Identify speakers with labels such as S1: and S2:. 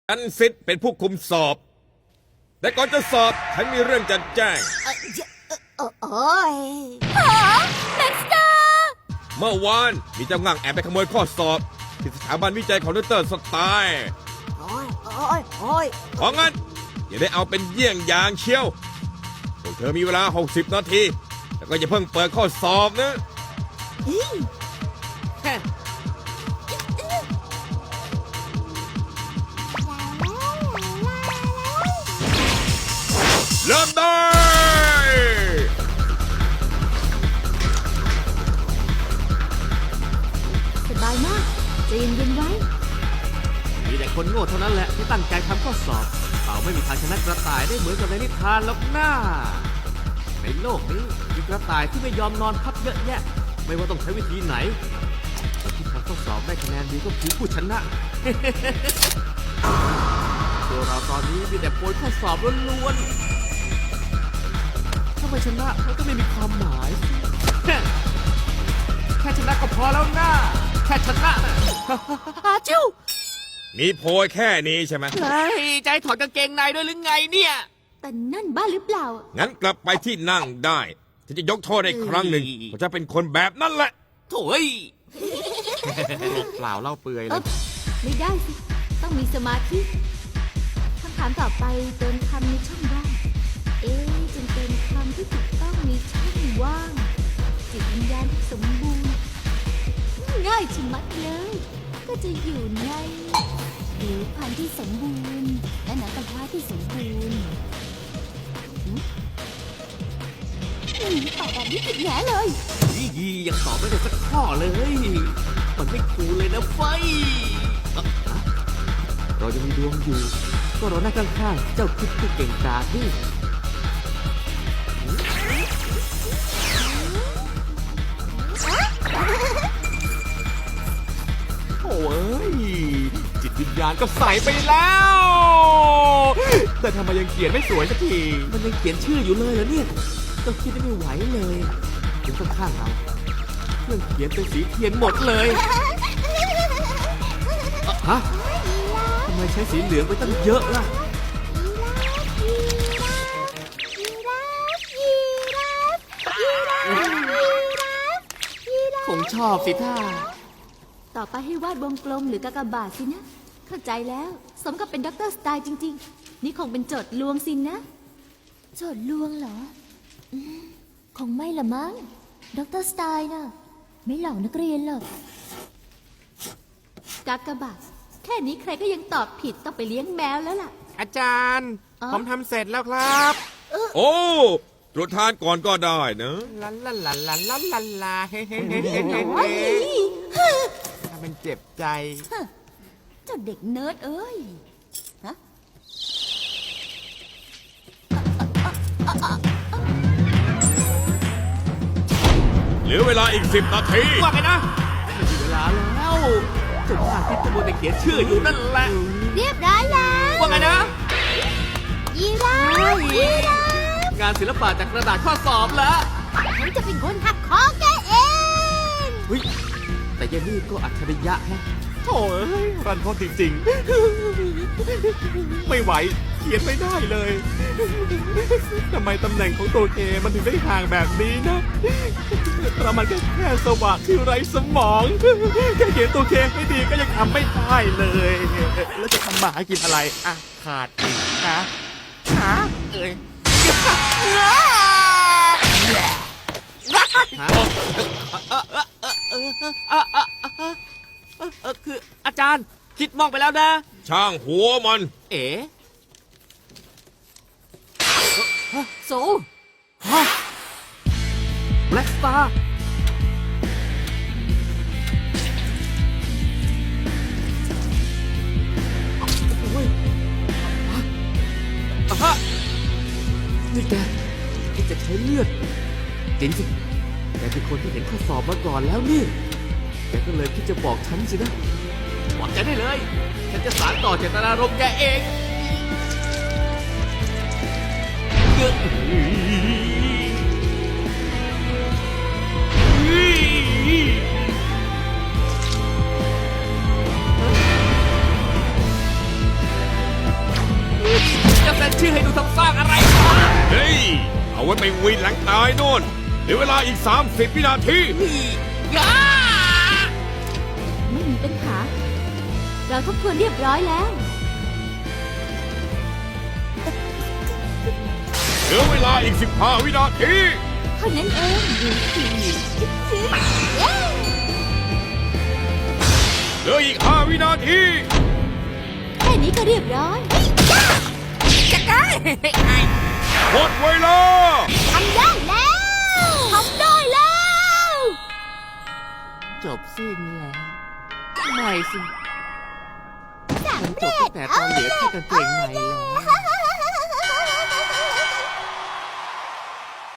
S1: ฉันซิดเป็นผู้คุมสอบ แต่ก่อนจะสอบฉันมีเรื่องจะแจ้ง
S2: โอ้ยเด็กสตาร์
S1: เมื่อวานมีเจ้างั่งแอบไปขโมยข้อสอบ ที่สถาบันวิจัยของดร.สไตล์
S2: โอ้ย
S1: เพราะงั้นอย่าได้เอาเป็นเยี่ยงอย่างเชียวพวกเธอมีเวลา 60 นาที แล้วก็อย่าเพิ่งเปิดข้อสอบนะ เริ่มได้
S2: สบายมากใจเย็นๆไว้
S3: มีแต่คนโง่เท่านั้นแหละที่ตั้งใจทำข้อสอบเปล่าไม่มีทางชนะกระต่ายได้เหมือนกับในนิทานหรอกหน้าในโลกนี้มีกระต่ายที่ไม่ยอมนอนพักเยอะแยะ ไม่ว่าต้องใช้วิธีไหนคนที่ทำข้อสอบได้คะแนนดีก็คือผู้ชนะ ตัวเราตอนนี้มีแต่โพยข้อสอบล้วนๆถ้าไม่ชนะมันก็ไม่มีความหมาย แค่ชนะก็พอแล้วนะแค่ชนะนะ จิ้ว
S1: มีโพยแค่นี้ใช่ไหม
S3: เฮ้ยใจถอดกางเกงในด้วยหรือไงเนี่ย
S2: แต่นั่นบ้าหรือเปล่า
S1: งั้นกลับไปที่นั่งได้ฉันจะยกโทษให้ครั้งหนึ่งเพราะฉันเป็นคนแบบนั้นแหละ
S3: โถ่เอ้ย เปล่าเล่าเปื่อยเลย
S2: ไม่ได้สิ ต้องมีสมาธิคำถามต่อไปเติมคำในช่องว่างจึงเป็นคำที่ถูกต้องในช่องว่าง จิตวิญญาณที่สมบูรณ์ ง่ายชะมัดเลย ก็จะอยู่ในผิวพรรณที่สมบูรณ์ และหนังกระพร้าที่สมบูรณ์ตอบแบบนี้ผิดแย่เลย
S3: ยี่ยังตอบไม่ได้สักข้อเลย มันไม่คูลเลยนะไฟเรายังมีดวงอยู่ ก็รอหน้าข้างๆ เจ้าคิดผู้เก่งกาจนี่โอ้ย จิตวิญญาณก็ใส่ไปแล้ว แต่ทำไมยังเขียนไม่สวยสักที มันยังเขียนชื่ออยู่เลยเหรอเนี่ยก็คิดได้ไม่ไหวเลยเดี๋ยวข้างๆเราเครื่องเขียนเป็นสีเทียนหมดเลยฮะทำไมใช้สีเหลืองไปตั้งเยอะล่ะคงชอบสิท่า
S2: ต่อไปให้วาดวงกลมหรือกากบาทสินะ เข้าใจแล้ว สมกับเป็นด็อกเตอร์สไตล์จริงๆ นี่คงเป็นโจทย์ลวงสินนะ โจทย์ลวงเหรอคงไม่ละมั้งด็อกเตอร์สไตล์นะไม่หลอกนักเรียนหรอกกากบาทแค่นี้ใครก็ยังตอบผิดต้องไปเลี้ยงแมวแล้วล่ะ
S3: อาจารย์
S2: อ๋อ
S3: ผมทำเสร็จแล้วครับ
S1: โอ้ตรวจทานก่อนก็ได้นะ
S3: ลาลาลาลาลาลาลาเฮ้เฮ้เฮ้เฮ้
S2: โอ้ย
S3: ถ้ามันเจ็บใจ
S2: เจ้าเด็กเนิร์ดเอ้ยฮะ
S1: เหลือเวลาอีก 10 นาที
S3: ว่าไงนะไม่มีเวลาแล้วเจ้าข้าที่ตะบนแต่เขียนชื่ออยู่นั่นแหละ
S2: เรียบร้อยแล้ว
S3: ว่าไงนะ
S2: ยีราฟยีราฟ
S3: งานศิลปะจากกระดาษข้อสอบแล้ว
S2: ฉันจะเป็นคนหักคอแกเอง
S3: เฮ้ยแต่ยายนี่ก็อัจฉริยะแฮะโถ่เอ้ยรันทดจริงๆ ไม่ไหวเขียนไม่ได้เลยทำไมตำแหน่งของตัวเคมันถึงได้ห่างแบบนี้นะเรามันก็แค่สว่างที่ไร้สมองแค่เขียนตัวเคให้ดีก็ยังทำไม่ได้เลย แล้วจะทำหมากินอะไรอ่ะขาดอีกนะหาเอ้ยคืออาจารย์คิดมองไปแล้วนะ
S1: ช่างหัวมัน
S3: เอ๋
S2: โซ
S3: ฮะแบล็กสตาร์โอ้ยอะฮะนี่แกคิดจะใช้เลือดจริงสิแกเป็นคนที่เห็นข้อสอบมาก่อนแล้วนี่แกก็เลยคิดจะบอกฉันสินะบอกแกได้เลย ฉันจะสานต่อเจตนารมณ์แกเองเยอะชื่อให้ดูทำสร้างอะไรวะ
S1: เฮ้ย เอาไว้ไปวินหลังตายโน่นเหลือเวลาอีก 30 วินาที
S3: ย่า
S2: ไม่มีปัญหา เราทบทวนเรียบร้อยแล้ว
S1: เหลือเวลาอีก 15 วินาที
S2: เท่านั้นเองดูสิเย้
S1: เหลืออีก 5 วินาที
S2: แค่นี้ก็เรียบร้อย
S1: หมดเวลา
S2: ทำได้แล้วทำได้แล้ว
S3: จบสิ้นแล้วไม่สิมันจบตั้งแต่ตอนเหลือแค่กางเกงในแล้ว